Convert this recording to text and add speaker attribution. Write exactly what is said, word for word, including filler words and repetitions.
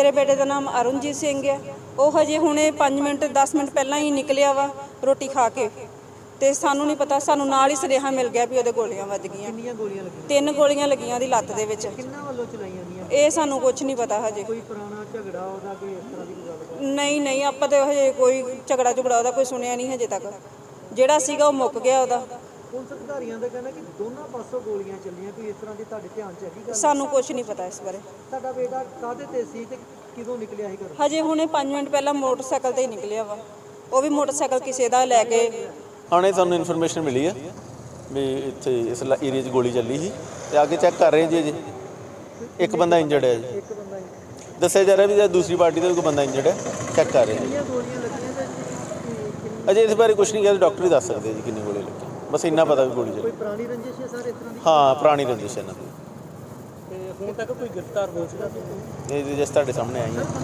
Speaker 1: ਮੇਰੇ ਬੇਟੇ ਦਾ ਨਾਮ ਅਰੁਣਜੀਤ ਸਿੰਘ ਹੈ। ਉਹ ਹਜੇ ਹੁਣੇ ਪੰਜ ਮਿੰਟ ਦਸ ਮਿੰਟ ਪਹਿਲਾਂ ਹੀ ਨਿਕਲਿਆ ਵਾ ਰੋਟੀ ਖਾ ਕੇ, ਤੇ ਸਾਨੂੰ ਨਹੀਂ ਪਤਾ, ਸਾਨੂੰ ਨਾਲ ਹੀ ਸੁਨੇਹਾ ਮਿਲ ਗਿਆ ਵੀ ਉਹਦੇ ਗੋਲੀਆਂ ਵੱਜ ਗਈਆਂ।
Speaker 2: ਕਿੰਨੀਆਂ ਗੋਲੀਆਂ ਲੱਗੀਆਂ?
Speaker 1: ਤਿੰਨ ਗੋਲੀਆਂ ਲੱਗੀਆਂ ਉਹਦੀ ਲੱਤ ਦੇ ਵਿੱਚ।
Speaker 2: ਕਿੰਨਾਂ ਵੱਲੋਂ ਚਲਾਈਆਂ ਗਈਆਂ?
Speaker 1: ਇਹ ਸਾਨੂੰ ਕੁਝ ਨਹੀਂ ਪਤਾ ਹਜੇ।
Speaker 2: ਕੋਈ ਪੁਰਾਣਾ ਝਗੜਾ ਉਹਦਾ, ਕੋਈ ਇਸ ਤਰ੍ਹਾਂ ਦੀ ਕੋਈ ਗੱਲ?
Speaker 1: ਨਹੀਂ ਨਹੀਂ, ਆਪਾਂ ਤਾਂ ਹਜੇ ਕੋਈ ਝਗੜਾ ਝੁਗੜਾ ਉਹਦਾ ਕੋਈ ਸੁਣਿਆ ਨਹੀਂ ਹਜੇ ਤੱਕ। ਜਿਹੜਾ ਸੀਗਾ ਉਹ ਮੁੱਕ ਗਿਆ ਉਹਦਾ।
Speaker 2: ਪੁਲਿਸ ਅਧਿਕਾਰੀਆਂ ਦਾ ਕਹਿਣਾ ਕਿ ਦੋਨਾਂ ਪਾਸੋਂ ਗੋਲੀਆਂ ਚੱਲੀਆਂ, ਕੋਈ ਇਸ ਤਰ੍ਹਾਂ ਦੀ ਤੁਹਾਡੇ ਧਿਆਨ 'ਚ ਹੈਗੀ ਗੱਲ?
Speaker 1: ਸਾਨੂੰ ਕੁਝ ਨਹੀਂ ਪਤਾ ਇਸ ਬਾਰੇ।
Speaker 2: ਤੁਹਾਡਾ ਬੇਟਾ ਕਾਹਦੇ ਤੇ ਸੀ ਤੇ ਕਿਦੋਂ ਨਿਕਲਿਆ ਸੀ ਘਰੋਂ?
Speaker 1: ਹਜੇ ਹੁਣੇ ਪੰਜ ਮਿੰਟ ਪਹਿਲਾਂ ਮੋਟਰਸਾਈਕਲ ਤੇ ਹੀ ਨਿਕਲਿਆ ਵਾ। ਉਹ ਵੀ ਮੋਟਰਸਾਈਕਲ ਕਿਸੇ ਦਾ ਲੈ ਕੇ।
Speaker 3: ਹੁਣੇ ਸਾਨੂੰ ਇਨਫੋਰਮੇਸ਼ਨ ਮਿਲੀ ਹੈ ਵੀ ਇੱਥੇ ਇਸ ਏਰੀਆ 'ਚ ਗੋਲੀ ਚੱਲੀ ਸੀ, ਤੇ ਆ ਕੇ ਚੈੱਕ ਕਰ ਰਹੇ ਜੀ। ਅਜੇ ਇੱਕ ਬੰਦਾ ਇੰਜਰਡ ਹੈ ਜੀ,
Speaker 2: ਇੱਕ ਬੰਦਾ ਹੀ?
Speaker 3: ਦੱਸਿਆ ਜਾ ਰਿਹਾ ਵੀ ਦੂਸਰੀ ਪਾਰਟੀ ਦਾ ਵੀ ਕੋਈ ਬੰਦਾ ਇੰਜਰਡ ਹੈ, ਚੈੱਕ ਕਰ ਰਹੇ ਜੀ।
Speaker 2: ਕਿੰਨੀਆਂ ਗੋਲੀਆਂ ਲੱਗੀਆਂ ਤੇ ਕਿੰਨੀ?
Speaker 3: ਅਜੇ ਇਸ ਬਾਰੇ ਕੁਝ ਨਹੀਂ ਕਿਹਾ, ਡਾਕਟਰ ਹੀ ਦੱਸ ਸਕਦੇ ਜੀ ਕਿੰਨੀ ਗੋਲੀ ਲੱਗੀ। ਬਸ ਇੰਨਾ ਪਤਾ ਵੀ ਗੋਲੀ ਚੱਲੀ।
Speaker 2: ਕੋਈ ਪੁਰਾਣੀ ਰੰਜਿਸ਼ ਹੈ ਸਰ ਇਸ ਤਰ੍ਹਾਂ ਦੀ?
Speaker 3: ਹਾਂ, ਪੁਰਾਣੀ ਰੰਜਿਸ਼ ਹੈ ਇਹਨਾਂ ਦੀ।
Speaker 2: ਤੇ ਹੁਣ ਤੱਕ ਕੋਈ ਗ੍ਰਿਫਤਾਰ ਹੋ ਚੁੱਕਾ?
Speaker 3: ਇਹ ਜਿਸ ਤੁਹਾਡੇ ਸਾਹਮਣੇ ਆਈ ਹੈ।